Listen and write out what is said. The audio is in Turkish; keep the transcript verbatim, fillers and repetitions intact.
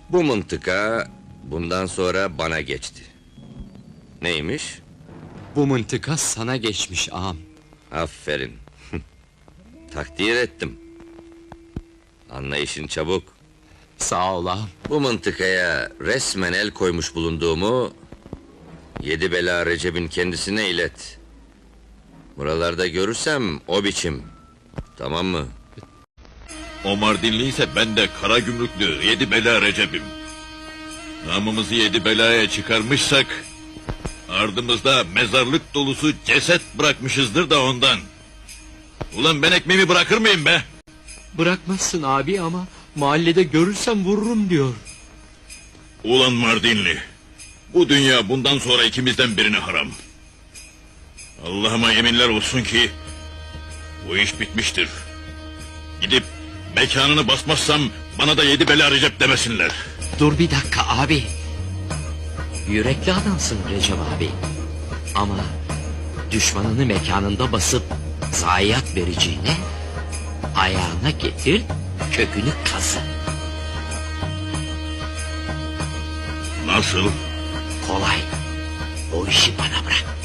Bu mıntıka bundan sonra bana geçti. Neymiş? Bu mıntıka sana geçmiş ağam. Aferin. Takdir ettim. Anlayışın çabuk. Sağ ol ağam. Bu mıntıkaya resmen el koymuş bulunduğumu Yedi Bela Recep'in kendisine ilet. Buralarda görürsem o biçim. Tamam mı? O Mardinliyse ben de kara gümrüklü Yedi Bela Recep'im. Namımızı Yedi Bela'ya çıkarmışsak ardımızda mezarlık dolusu ceset bırakmışızdır da ondan. Ulan ben ekmeğimi bırakır mıyım be? Bırakmazsın abi ama mahallede görürsem vururum diyor. Ulan Mardinli, bu dünya bundan sonra ikimizden birine haram. Allah'ıma yeminler olsun ki bu iş bitmiştir. Gidip mekanını basmazsam bana da Yedi Bela Recep demesinler. Dur bir dakika abi. Yürekli adamsın Recep abi. Ama düşmanını mekanında basıp zayiat vereceğine ayağına getir, kökünü kazı. Nasıl? Kolay. O işi bana bırak.